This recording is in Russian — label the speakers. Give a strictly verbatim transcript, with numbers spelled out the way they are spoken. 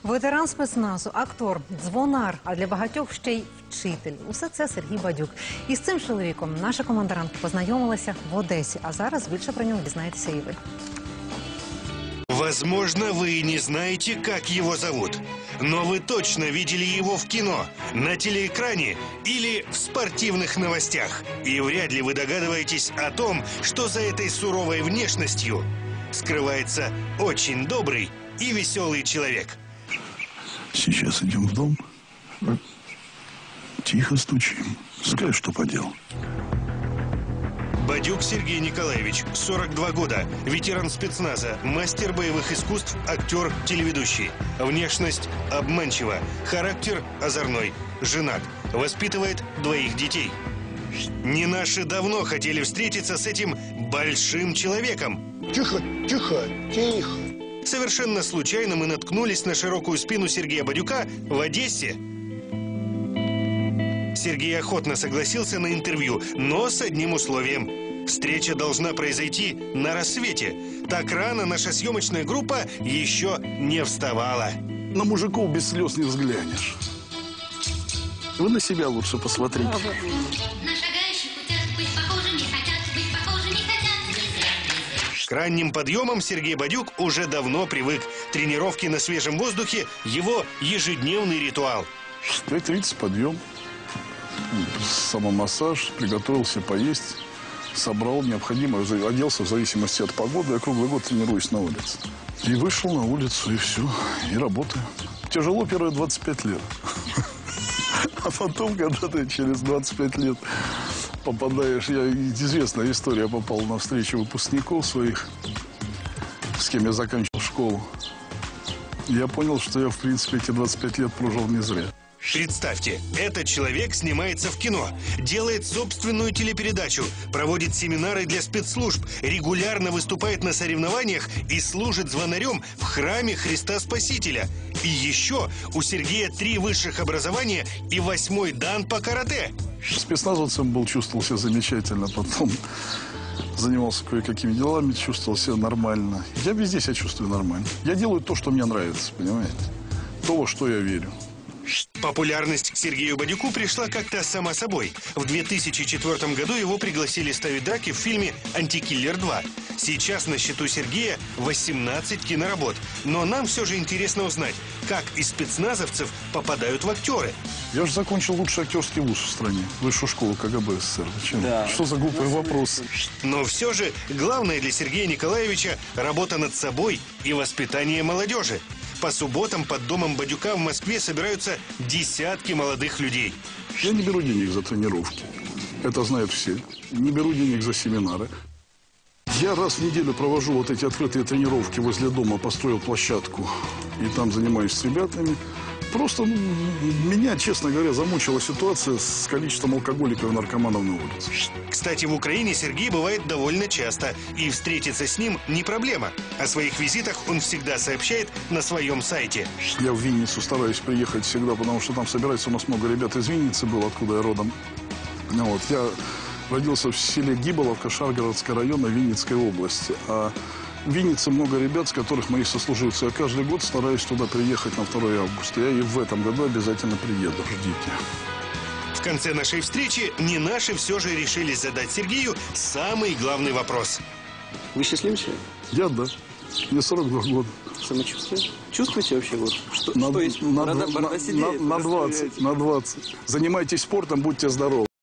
Speaker 1: Ветеран спецназу, актор, дзвонар, а для багатьох ще й вчитель. Усе це Сергій Бадюк. І з цим чоловіком наша командирантка познайомилася в Одесі. А зараз більше про нього дізнаєтеся і ви.
Speaker 2: Возможно, вы не знаете, как его зовут. Но вы точно видели его в кино, на телеэкране или в спортивных новостях. И вряд ли вы догадываетесь о том, что за этой суровой внешностью скрывается очень добрый и веселый человек.
Speaker 3: Сейчас идем в дом. Тихо стучим. Скажи, что поделал.
Speaker 2: Бадюк Сергей Николаевич, сорок два года, ветеран спецназа, мастер боевых искусств, актер, телеведущий. Внешность обманчива, характер озорной, женат, воспитывает двоих детей. Не наши давно хотели встретиться с этим большим человеком.
Speaker 4: Тихо, тихо, тихо.
Speaker 2: Совершенно случайно мы наткнулись на широкую спину Сергея Бадюка в Одессе. Сергей охотно согласился на интервью, но с одним условием. Встреча должна произойти на рассвете. Так рано наша съемочная группа еще не вставала.
Speaker 3: На мужиков без слез не взглянешь. Вы на себя лучше посмотрите.
Speaker 2: К ранним подъемам Сергей Бадюк уже давно привык. Тренировки на свежем воздухе – его ежедневный ритуал.
Speaker 3: В пять тридцать подъем. Самомассаж, приготовился поесть, собрал необходимое, оделся в зависимости от погоды. Я круглый год тренируюсь на улице. И вышел на улицу, и все, и работаю. Тяжело первые двадцать пять лет. А потом, когда ты через двадцать пять лет попадаешь... Я, известная история, я попал на встречу выпускников своих, с кем я заканчивал школу. Я понял, что я, в принципе, эти двадцать пять лет прожил не зря.
Speaker 2: Представьте, этот человек снимается в кино, делает собственную телепередачу, проводит семинары для спецслужб, регулярно выступает на соревнованиях и служит звонарем в храме Христа Спасителя. И еще у Сергея три высших образования и восьмой дан по карате.
Speaker 3: Спецназовцем был, чувствовал себя замечательно, потом занимался кое-какими делами, чувствовал себя нормально. Я везде себя чувствую нормально. Я делаю то, что мне нравится, понимаете? То, во что я верю.
Speaker 2: Популярность к Сергею Бадюку пришла как-то сама собой. В две тысячи четвёртом году его пригласили ставить драки в фильме «Антикиллер два». Сейчас на счету Сергея восемнадцать киноработ. Но нам все же интересно узнать, как из спецназовцев попадают в актеры.
Speaker 3: Я же закончил лучший актерский вуз в стране, высшую школу КГБ СССР. Да. Что за глупые вопросы?
Speaker 2: Но все же главное для Сергея Николаевича – работа над собой и воспитание молодежи. По субботам под домом Бадюка в Москве собираются десятки молодых людей.
Speaker 3: Я не беру денег за тренировки. Это знают все. Не беру денег за семинары. Я раз в неделю провожу вот эти открытые тренировки возле дома, построил площадку. И там занимаюсь с ребятами. Просто ну, меня, честно говоря, замучила ситуация с количеством алкоголиков и наркоманов на улице.
Speaker 2: Кстати, в Украине Сергей бывает довольно часто. И встретиться с ним не проблема. О своих визитах он всегда сообщает на своем сайте.
Speaker 3: Я в Винницу стараюсь приехать всегда, потому что там собирается у нас много ребят из Винницы было, откуда я родом. Вот. Я родился в селе Гиболовка, Шаргородского района Винницкой области. А в Виннице много ребят, с которых мои сослуживцы. Я каждый год стараюсь туда приехать на второе августа. Я и в этом году обязательно приеду. Ждите.
Speaker 2: В конце нашей встречи не наши все же решили задать Сергею самый главный вопрос.
Speaker 5: Вы счастливый человек?
Speaker 3: Я, да. Мне сорок два года.
Speaker 5: Самочувствие? Чувствуете вообще вот? Что,
Speaker 3: на,
Speaker 5: что есть?
Speaker 3: На,
Speaker 5: Борода,
Speaker 3: на,
Speaker 5: борода
Speaker 3: на,
Speaker 5: сидеет,
Speaker 3: на, на двадцать, на двадцать. Занимайтесь спортом, будьте здоровы.